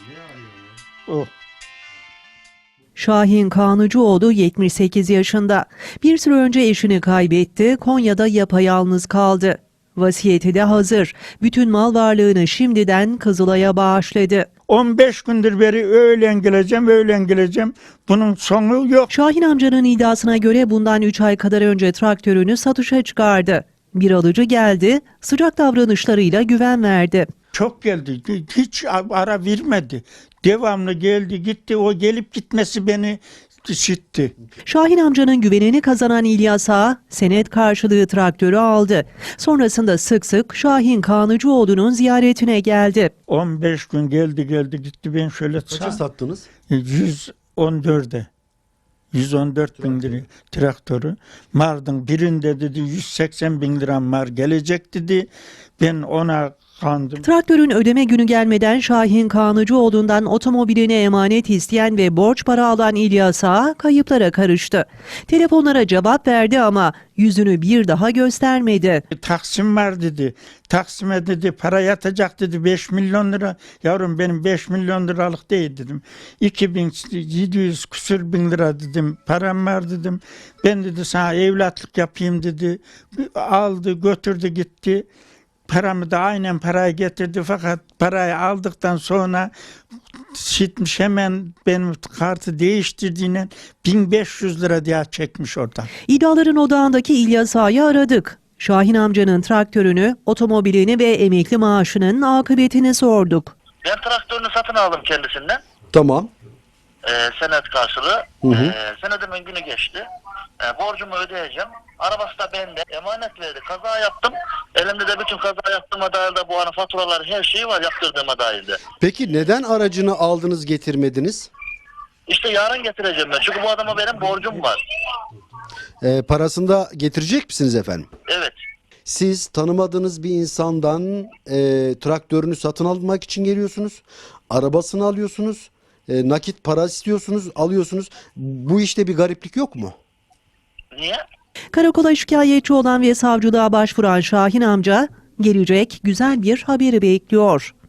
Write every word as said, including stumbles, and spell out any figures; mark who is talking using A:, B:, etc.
A: O.
B: Şahin Kanıcıoğlu yetmiş sekiz yaşında. Bir süre önce eşini kaybetti, Konya'da yapayalnız kaldı. Vasiyeti de hazır. Bütün mal varlığını şimdiden Kızılay'a bağışladı.
A: on beş gündür beri öğlen geleceğim, öğlen geleceğim. Bunun sonu yok.
B: Şahin amcanın iddiasına göre bundan üç ay kadar önce traktörünü satışa çıkardı. Bir alıcı geldi, sıcak davranışlarıyla güven verdi.
A: Çok geldi. Hiç ara vermedi. Devamlı geldi gitti. O gelip gitmesi beni şitti.
B: Şahin amcanın güvenini kazanan İlyas Ağa, senet karşılığı traktörü aldı. Sonrasında sık sık Şahin Kanıcıoğlu'nun ziyaretine geldi.
A: on beş gün geldi geldi gitti. Ben şöyle
C: Kaça sattınız?
A: yüz on dörde. yüz on dört bin lira traktörü. Mardın birinde dedi yüz seksen bin liram var gelecek dedi. Ben ona kandım.
B: Traktörün ödeme günü gelmeden Şahin Kanıcıoğlu'ndan otomobiline emanet isteyen ve borç para alan İlyas Ağa kayıplara karıştı. Telefonlara cevap verdi ama yüzünü bir daha göstermedi.
A: Taksim var dedi. Taksim'e dedi para yatacak dedi beş milyon lira. Yavrum benim beş milyon liralık değil dedim. iki bin yedi yüz küsür bin lira dedim. Param var dedim. Ben dedi sana evlatlık yapayım dedi. Aldı götürdü gitti. Paramı da aynen parayı getirdi fakat parayı aldıktan sonra şitmiş hemen benim kartı değiştirdiğinden bin beş yüz lira diye çekmiş oradan.
B: İddiaların odağındaki İlyas Ağa'yı aradık. Şahin amcanın traktörünü, otomobilini ve emekli maaşının akıbetini sorduk.
D: Ben traktörünü satın aldım kendisinden.
C: Tamam.
D: Ee, senet karşılığı.
C: Hı hı.
D: Ee, senedimin günü geçti. Ee, borcumu ödeyeceğim. Arabası da bende. Emanet verdi. Kaza yaptım. Elimde de bütün kaza yaptığıma dair de bu hani faturalar her şeyi var yaptırdığıma dair de.
C: Peki neden aracını aldınız getirmediniz?
D: İşte yarın getireceğim ben. Çünkü bu adama benim borcum var.
C: Ee, parasını da getirecek misiniz efendim?
D: Evet.
C: Siz tanımadığınız bir insandan e, traktörünü satın almak için geliyorsunuz. Arabasını alıyorsunuz. E, nakit para istiyorsunuz, alıyorsunuz. Bu işte bir gariplik yok mu?
D: Niye?
B: Karakola şikayetçi olan ve savcılığa başvuran Şahin amca, gelecek güzel bir haberi bekliyor.